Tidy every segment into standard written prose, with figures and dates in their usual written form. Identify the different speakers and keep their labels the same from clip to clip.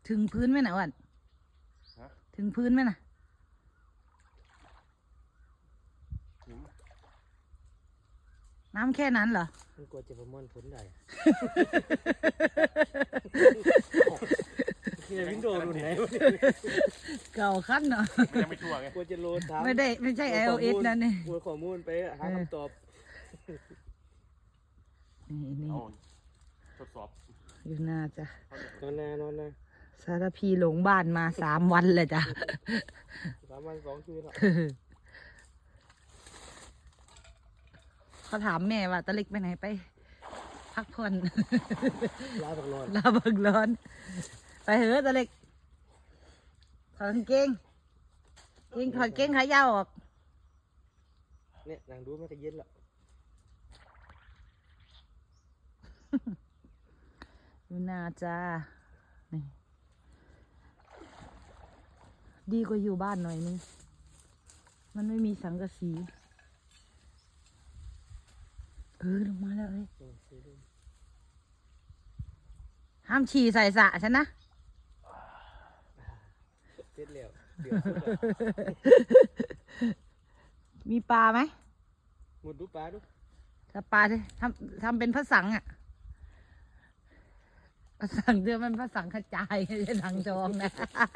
Speaker 1: ถึงพื้นไหมนะวันถึงพื้นไหมนะน้ำแค่นั้นเหรอ
Speaker 2: มันกลัวจะประมวลผลได้เนี่ยวินโดว์รุ่นไหน
Speaker 1: เก่าขั้นเนาะ
Speaker 3: ยังไม่ชัวร์ไง
Speaker 2: กลัวจะโหลดถาม
Speaker 1: ไม่ใช่ iOS นั่นนี่
Speaker 2: กลัวข้อมูลไปหาคำตอบ
Speaker 1: นี่
Speaker 3: ทดสอบ
Speaker 1: อยู่น่าจะ
Speaker 2: นอนนะ
Speaker 1: สารพีหลงบ้านมา3 วันเลยจ้ะ
Speaker 2: 3 วัน 2 คืนแล้ว
Speaker 1: เขาถามแม่ว่าตะเล็กไปไหนไปพักผ่อน
Speaker 2: ลาบักร้อน
Speaker 1: ไปเหอะตะเล็กถอดกางเกงถอดเกงขายาวออก
Speaker 2: เนี่ยนางดูมันก็เย็นละ
Speaker 1: อยู่นาจ้านี่ดีกว่าอยู่บ้านหน่อยนึงมันไม่มีสังกะสีลงมาแล้วเลยห้ามฉี่ใส่สระฉันนะ
Speaker 2: เสร็จแล้ว
Speaker 1: มีปลาไหม
Speaker 2: หมดดูปลาดู
Speaker 1: ถ้าปลาทำเป็นพระสังอ่ะพระสังเดือมันพระสังกระจายไม่ใช่สังทองนะ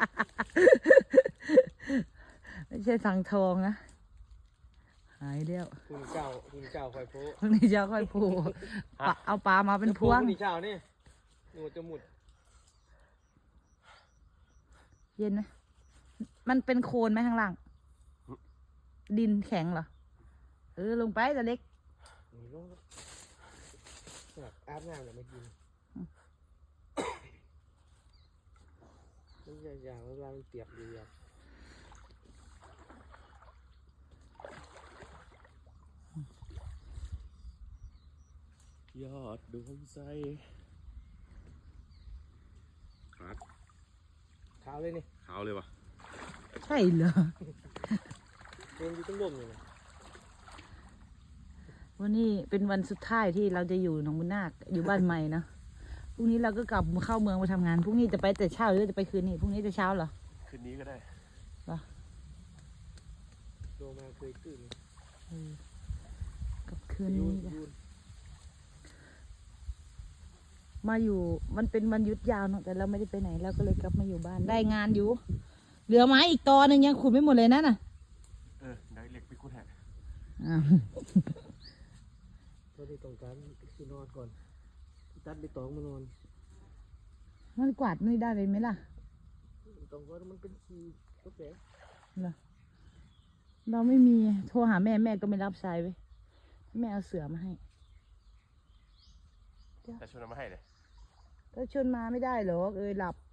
Speaker 1: ไม่ใช่สังทองนะหายเดียว
Speaker 2: คุณเจ้าคอยโพ
Speaker 1: พรุ่งนี้เจ้าค่อยผูเอาปลามาเป็นพวง
Speaker 2: พรุ่งนี้เจ้านี่หนูจะหมุด
Speaker 1: เย็นไหมมันเป็นโคลนไหมข้างล่างดินแข็งเหรอลงไปแต่เล็ก
Speaker 2: อาบน้ำแล้วไม่กินมันอย่างเวลามันเปียกอยู่อย่าง
Speaker 3: ยอดดวงใจ
Speaker 2: ขาวเลยนี่
Speaker 3: ขาวเลยวะ
Speaker 1: ใช่เหรอ
Speaker 2: เป็นอยู่ต้นลมอยู่นะ
Speaker 1: วันนี้เป็นวันสุดท้ายที่เราจะอยู่หนองบุญนาคอยู่บ้านใหม่นะพรุ่งนี้เราก็กลับเข้าเมืองไปทำงานพรุ่งนี้จะไปแต่เช้าหรือจะไปคืนนี้พรุ่งนี้จะเช้าเหรอ
Speaker 3: คืนนี้ก็ได้
Speaker 1: เหรอ
Speaker 2: โตมาเคยตื่น
Speaker 1: กับคืนนี้มาอยู่มันเป็นวันหยุดยาวเนาะแต่เราไม่ได้ไปไหนเราก็เลยกลับมาอยู่บ้านได้งานอยู่เหลือไม้อีกตอหนึ่งยังขุดไม่หมดเลยนะน่ะ
Speaker 3: ได้เล็กไปขุดแหะ
Speaker 2: เพราะที่ต้องการคือนอนก่อนตัดไปตองมานอน
Speaker 1: มันกวาดไม่ได้เลยไหมล่ะ
Speaker 2: ตองก็มันเป็นขี้ก็แฝง
Speaker 1: เหรอเราไม่มีโทรหาแม่ก็ไม่รับสายไว้แม่เอาเสือมาให้
Speaker 3: แต่ชวนมาให้เลย
Speaker 1: ก็ชวนมาไม่ได้หรอกหลับ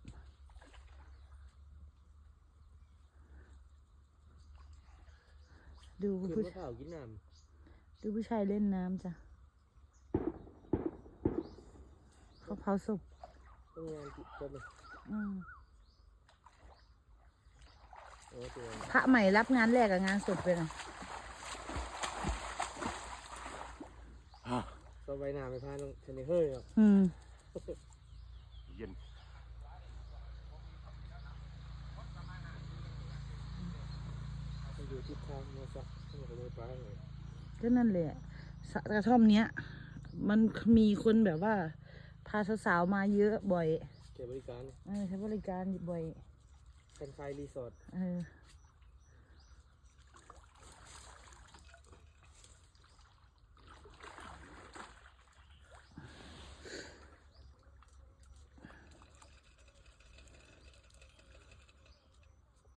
Speaker 1: ดูผู้ชาย
Speaker 2: กินน้
Speaker 1: ำดูผู้ชายเล่นน้ำจ้ะเขาเผาศพ
Speaker 2: ต้องงานกินกันเลย
Speaker 1: พระใหม่รับงานแรกกับงานศพไปนะ
Speaker 2: ก็ใบหน้าไม่พลาดต้องเชนเฮ้ยหรอก
Speaker 3: เย็น
Speaker 2: อยู่ที่ทางมาสักก็เลยไปเลย
Speaker 1: ก็นั่นแหละกระท่อมเนี้ยมันมีคนแบบว่าพาสาวๆมาเยอะบ่อย
Speaker 2: ใช้บริการ
Speaker 1: ใช้บริการบ่อย
Speaker 2: เป็นไฟรีสอร์ท